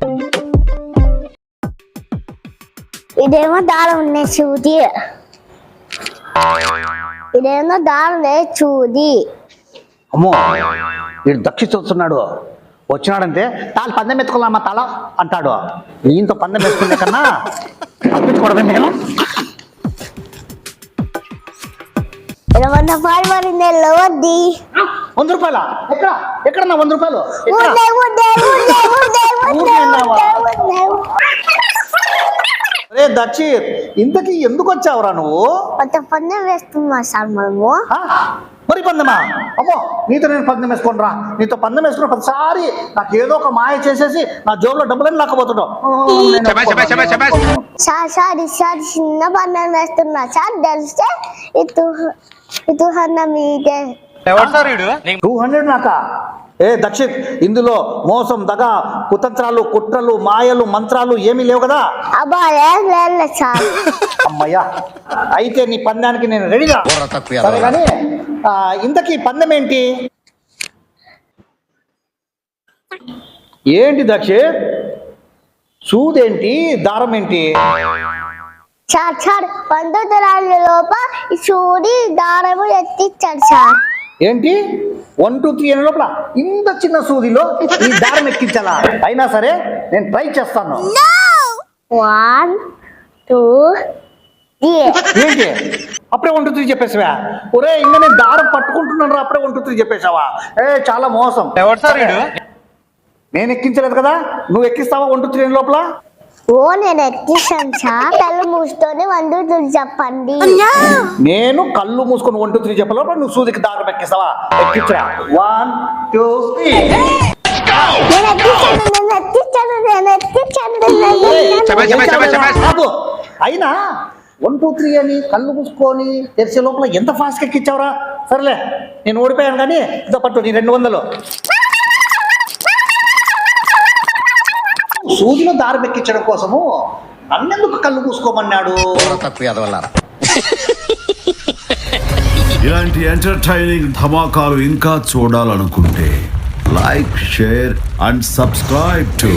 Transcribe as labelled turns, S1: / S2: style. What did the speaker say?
S1: ఇదేమో దారం ఉన్నాయి చూది. ఇదేమో దారం లేదు చూది.
S2: అమ్మో వీడు దక్షిస్తున్నాడు. వచ్చినాడంటే తాను పందెం ఎత్తుకోవాలమ్మా తల అంటాడు. ఈయంతో పందెం వేసుకునే కన్నా తప్పించుకోవడమే నేను.
S1: 20 రూపాయలు మరి నేను వద్ది.
S2: 100 రూపాయల ఎక్కడ ఎక్కడన్నా 100 రూపాయలు రే దక్షిత్, ఇంతకీ ఎందుకు వచ్చావురా నువ్వు?
S1: పందెం వేస్తున్నా సార్ మనము.
S2: మరి పందెమా? అమ్మో నీతో నేను పందెం వేసుకోనరా. నీతో పందెం వేసుకున్న ప్రతిసారి నాకు ఏదో ఒక మాయ చేసేసి నా జోబులో డబ్బులని లాక్కపోతున్నావు.
S1: సార్ చిన్న పందెం వేస్తున్నా సార్. తెలిస్తే ఇటు మీదే
S2: 200 నాకా? ఏ దక్షిత్, ఇందులో మోసం, దగ, కుతంత్రాలు, కుట్రలు, మాయలు, మంత్రాలు ఏమీ లేవు కదా?
S1: అబ్బా లేదు సార్.
S2: అమ్మయ్యా, అయితే నీ పందానికి నేను రెడీగా. సరే కానీ ఇంతకీ పందెం ఏంటి? ఏంటి దక్షిత్? సూదేంటి, దారం ఏంటి?
S1: సార్ 12 రాళ్ళ లోప చూడి దారము ఎత్తిచ్చాడు సార్.
S2: ఏంటి 1 2 3 అనే లోపల ఇంత చిన్న సూదిలో ఈ దారం ఎక్కించాలా? అయినా సరే నేను ట్రై చేస్తాను.
S1: 1 2 3.
S2: ఏంటి అప్పుడే 1 2 3 చెప్పేసావా? ఒరే ఇంకా నేను దారం పట్టుకుంటున్నాను రా, అప్పుడే 1 2 3 చెప్పేసావా? చాలా మోసం. నేను ఎక్కించలేదు కదా, నువ్వు ఎక్కిస్తావా 1 2 3 లోపల?
S1: నేను ఎక్కిస్తాను సార్. కళ్ళు మూసుకొని 1 2 3 చెప్పండి.
S2: నేను కళ్ళు మూసుకొని 1 2 3 చెప్పే లోపల నువ్వు సూదికి దారం ఎక్కిస్తావా? ఎక్కించరా. 1 2 3 అయినా 1 2 3 అని కళ్ళు మూసుకొని తెరిచే లోపల ఎంత ఫాస్ట్గా ఎక్కించావురా? సరేలే నేను ఓడిపోయాను కానీ ఇదో పట్టు నీ 200. సూదిలో దారం ఎక్కించడం కోసము నన్నెందుకు కళ్ళు మూసుకోమన్నాడు?
S3: ఇలాంటి ఎంటర్టైనింగ్ ధమాకాలు ఇంకా చూడాలనుకుంటే like, share and subscribe to